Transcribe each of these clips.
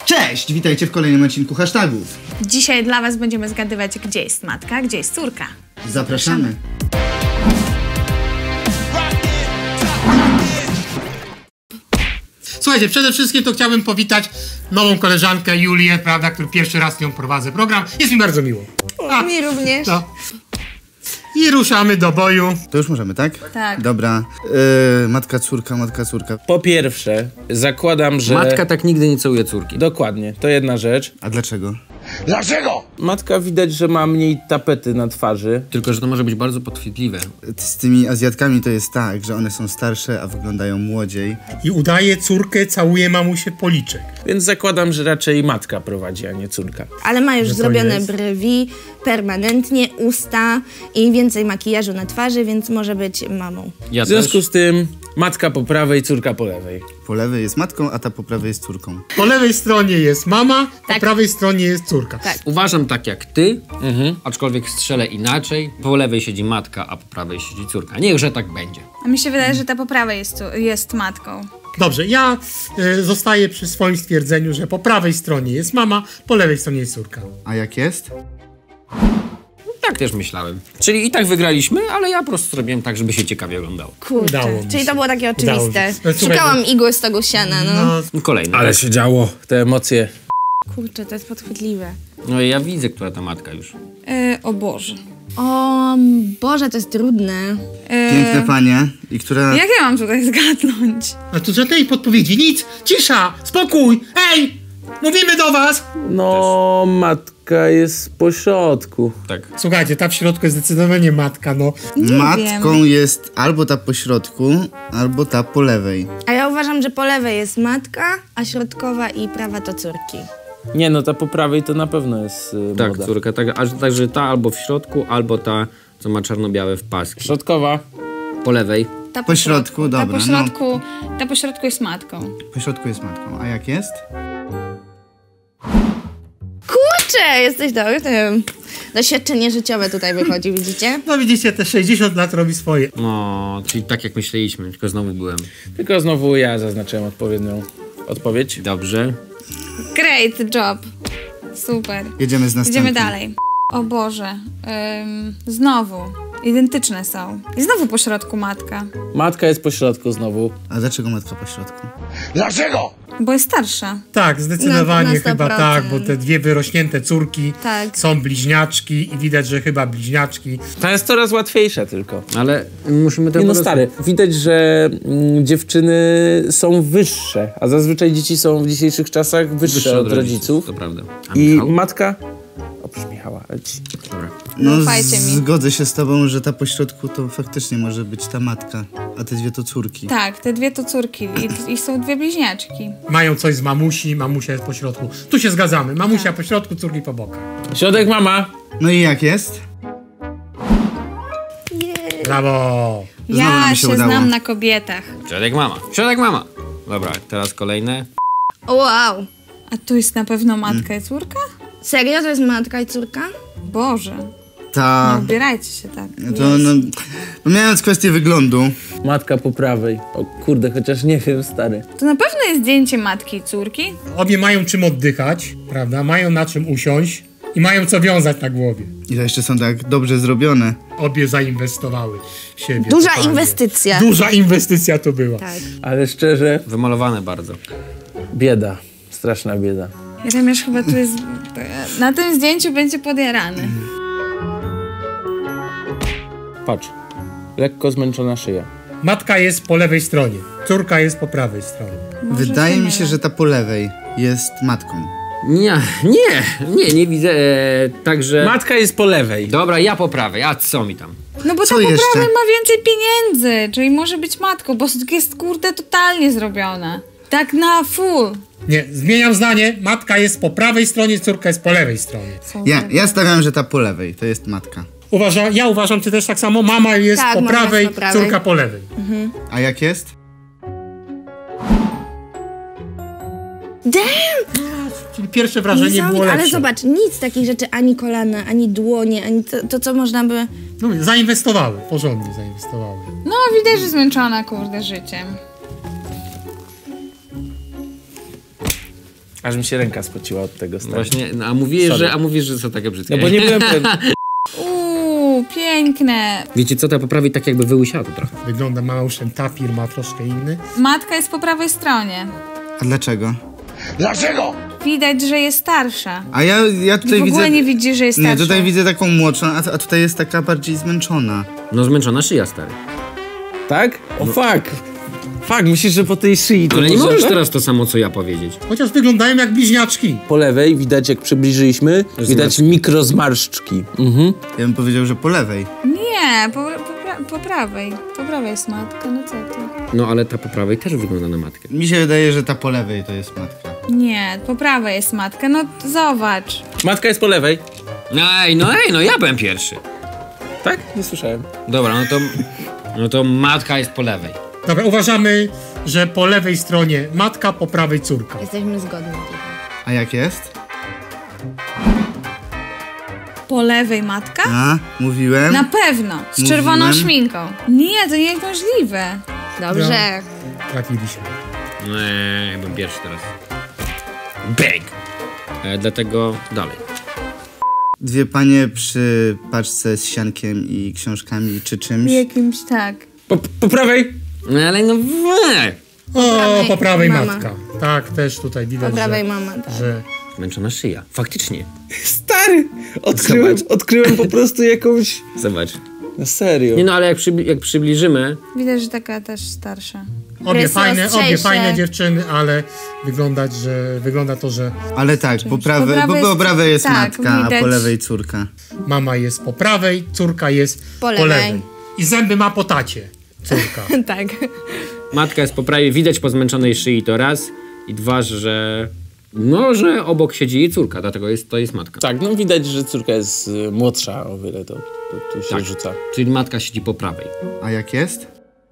Cześć, witajcie w kolejnym odcinku hashtagów. Dzisiaj dla was będziemy zgadywać, gdzie jest matka, gdzie jest córka. Zapraszamy. Słuchajcie, przede wszystkim to chciałbym powitać nową koleżankę Julię, prawda, który pierwszy raz z nią prowadzę program. Jest mi bardzo miło. Mi również. No. I ruszamy do boju. To już możemy, tak? Tak. Dobra. Matka, córka. Po pierwsze, zakładam, że... Matka tak nigdy nie całuje córki. Dokładnie, to jedna rzecz. A dlaczego? Matka widać, że ma mniej tapety na twarzy. Tylko, że to może być bardzo podchwytliwe. Z tymi Azjatkami to jest tak, że one są starsze, a wyglądają młodziej. I udaje córkę, całuje mamusię w policzek. Więc zakładam, że raczej matka prowadzi, a nie córka. Ale ma już Że to zrobione jest? brwi, permanentnie, usta i więcej makijażu na twarzy, więc może być mamą. Ja W związku też. z tym matka po prawej, córka po lewej. Po lewej jest matką, a ta po prawej jest córką. Po lewej stronie jest mama, po Tak. prawej stronie jest córka. Tak. Uważam tak jak ty, aczkolwiek strzelę inaczej. Po lewej siedzi matka, a po prawej siedzi córka. Niechże tak będzie. A mi się wydaje, że ta po prawej jest matką. Dobrze, ja zostaję przy swoim stwierdzeniu, że po prawej stronie jest mama, po lewej stronie jest córka. A jak jest? Tak też myślałem. Czyli i tak wygraliśmy, ale ja po prostu zrobiłem tak, żeby się ciekawie oglądało. Kurczę, Udało mi czyli się. to było takie Udało oczywiste. mi się. Słuchaj, Szukałam igły z tego siana, no. Kolejny. Ale się działo, te emocje. Kurczę, to jest podchwytliwe. No i ja widzę, która ta matka już. O Boże. O Boże, to jest trudne. Piękne panie. I która... Jak ja mam tutaj zgadnąć? A tu żadnej podpowiedzi, nic, cisza, spokój, hej, mówimy do was. No, matka jest po środku. Tak. Słuchajcie, ta w środku jest zdecydowanie matka, no. Matką jest albo ta po środku, albo ta po lewej. A ja uważam, że po lewej jest matka, a środkowa i prawa to córki. Nie, no ta po prawej to na pewno jest Tak, młoda. córka. Także ta albo w środku, albo ta, co ma czarno-białe w paski. Środkowa. Po lewej. Ta Po środku, dobra, Ta po środku jest matką. Po środku jest matką. A jak jest? Kurczę, jesteś dobry. Doświadczenie życiowe tutaj wychodzi, widzicie? No widzicie, te 60 lat robi swoje. No, czyli tak jak myśleliśmy, tylko znowu byłem. Tylko znowu ja zaznaczyłem odpowiednią odpowiedź. Dobrze. Great job. Super. Jedziemy z następnym. Idziemy dalej. O Boże. Znowu. Identyczne są. I znowu po środku matka. Matka jest po środku znowu. A dlaczego matka po środku? Bo jest starsza. Tak, zdecydowanie Na 100%. chyba tak, bo te dwie wyrośnięte córki Tak. są bliźniaczki i widać, że chyba bliźniaczki. Ta jest coraz łatwiejsza tylko. Ale musimy to Nie po no prostu- stary, widać, że dziewczyny są wyższe, a zazwyczaj dzieci są w dzisiejszych czasach wyższe od rodziców. To prawda. A I Michał? matka... Oprócz Michała. Dobra. No, Ufajcie mi. zgodzę się z tobą, że ta po środku to faktycznie może być ta matka, a te dwie to córki. Tak, te dwie to córki i są dwie bliźniaczki. Mają coś z mamusi, mamusia jest po środku. Tu się zgadzamy, mamusia po środku, córki po bokach. Środek mama. No i jak jest? Brawo! Znowu Ja nam się się udało. znam na kobietach. Środek mama. Środek mama. Dobra, teraz kolejne. Wow. A tu jest na pewno matka i córka? Serio? To jest matka i córka? Boże. Ta... Nie ubierajcie się tak. To no... Pomijając kwestię wyglądu, Matka po prawej. O kurde, chociaż nie wiem, stary. To na pewno jest zdjęcie matki i córki. Obie mają czym oddychać, prawda? Mają na czym usiąść i mają co wiązać na głowie. i to jeszcze są tak dobrze zrobione. Obie zainwestowały w siebie. Duża totalnie. inwestycja. Duża inwestycja to była. Tak. Ale szczerze, Wymalowane bardzo. bieda. Straszna bieda. Jeremiasz chyba tu jest... Na tym zdjęciu będzie podjarany. Patrz. Lekko zmęczona szyja. Matka jest po lewej stronie, córka jest po prawej stronie. Może Wydaje mi mylę. się, że ta po lewej jest matką. Nie widzę. Także. Matka jest po lewej. Dobra, ja po prawej, a co mi tam? No bo Co ta po jeszcze? prawej ma więcej pieniędzy, czyli może być matką, bo jest kurde totalnie zrobiona. Tak na full. Nie, zmieniam zdanie, matka jest po prawej stronie, córka jest po lewej stronie. Ja stawiam, że ta po lewej to jest matka. Ja uważam, ty też tak samo, mama jest Tak, po mama jest prawej, po prawej. córka po lewej. A jak jest? Damn! Czyli pierwsze wrażenie było Niesamowite, lepsze. ale zobacz, nic takich rzeczy, ani kolana, ani dłonie, ani to co można by... No, zainwestowały, porządnie zainwestowały. No widać, że zmęczona kurde życiem. Aż mi się ręka spociła od tego stanu. Właśnie, no, a mówisz, że są takie brzydkie. No bo nie byłem pewny. Piękne. Wiecie co, ta poprawi tak jakby wyłysiała to trochę. Wygląda mało, już ten tapir ma troszkę inny. Matka jest po prawej stronie. A dlaczego? Widać, że jest starsza. A ja tutaj W ogóle widzę... nie widzisz, że jest starsza. Nie, tutaj widzę taką młodszą, a tutaj jest taka bardziej zmęczona. No zmęczona szyja, stary. Tak? O fuck. Fuck, myślisz, że po tej szyi to Ale nie może możesz tak? teraz to samo, co ja powiedzieć. Chociaż wyglądają jak bliźniaczki. Po lewej widać, jak przybliżyliśmy, widać mikrozmarszczki. Ja bym powiedział, że po lewej. Nie, po prawej. Po prawej jest matka, no co ty? No ale ta po prawej też wygląda na matkę. Mi się wydaje, że ta po lewej to jest matka. Nie, po prawej jest matka, no zobacz. Matka jest po lewej. No ja byłem pierwszy. Tak? Nie słyszałem. Dobra, no to matka jest po lewej. Dobra, uważamy, że po lewej stronie matka, po prawej córka. Jesteśmy zgodni. A jak jest? Po lewej matka? A, mówiłem. Na pewno, z Mówiłem. czerwoną szminką. Nie, to nie jest możliwe. Dobrze. Trafiliśmy. Ja byłem pierwszy teraz. Bang! Dlatego dalej. Dwie panie przy paczce z siankiem i książkami czy czymś. Jakimś tak. Po prawej. No ale no O, po prawej mama. matka. Tak, też tutaj widać, Po prawej że, mama, tak. że zmęczona szyja. Faktycznie. Stary! Odkryłem po prostu jakąś... Zobacz. Na serio. Nie no, ale jak przybliżymy... Widać, że taka też starsza. obie Jest fajne ostrzejsze. dziewczyny, ale wygląda to, że Ale tak, po Po prawej, prawej po jest- prawej jest tak, matka, a widać. po lewej córka. mama jest po prawej, córka jest Po lewej. I zęby ma po tacie, córka. Tak. Matka jest po prawej, widać po zmęczonej szyi to raz. I dwa, że... No, że obok siedzi jej córka, dlatego to jest matka. Tak, no widać, że córka jest młodsza o wiele, to tu się Tak. rzuca. Czyli matka siedzi po prawej. A jak jest?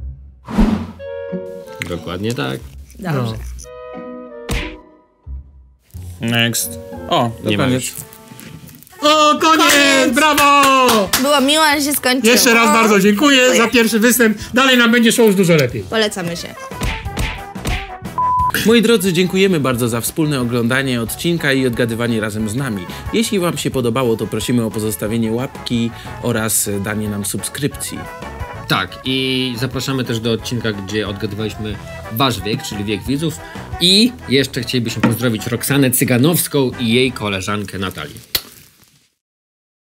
Dokładnie tak. Dobrze. Next. O, to Nie ma koniec. już. O, koniec! Brawo! Było miło, ale się skończyło. Jeszcze raz bardzo dziękuję za pierwszy występ. Dalej nam będzie szło już dużo lepiej. Polecamy się. Moi drodzy, dziękujemy bardzo za wspólne oglądanie odcinka i odgadywanie razem z nami. Jeśli wam się podobało, to prosimy o pozostawienie łapki oraz danie nam subskrypcji. Tak, i zapraszamy też do odcinka, gdzie odgadywaliśmy wasz wiek, czyli wiek widzów. I jeszcze chcielibyśmy pozdrowić Roxanę Cyganowską i jej koleżankę Natalię.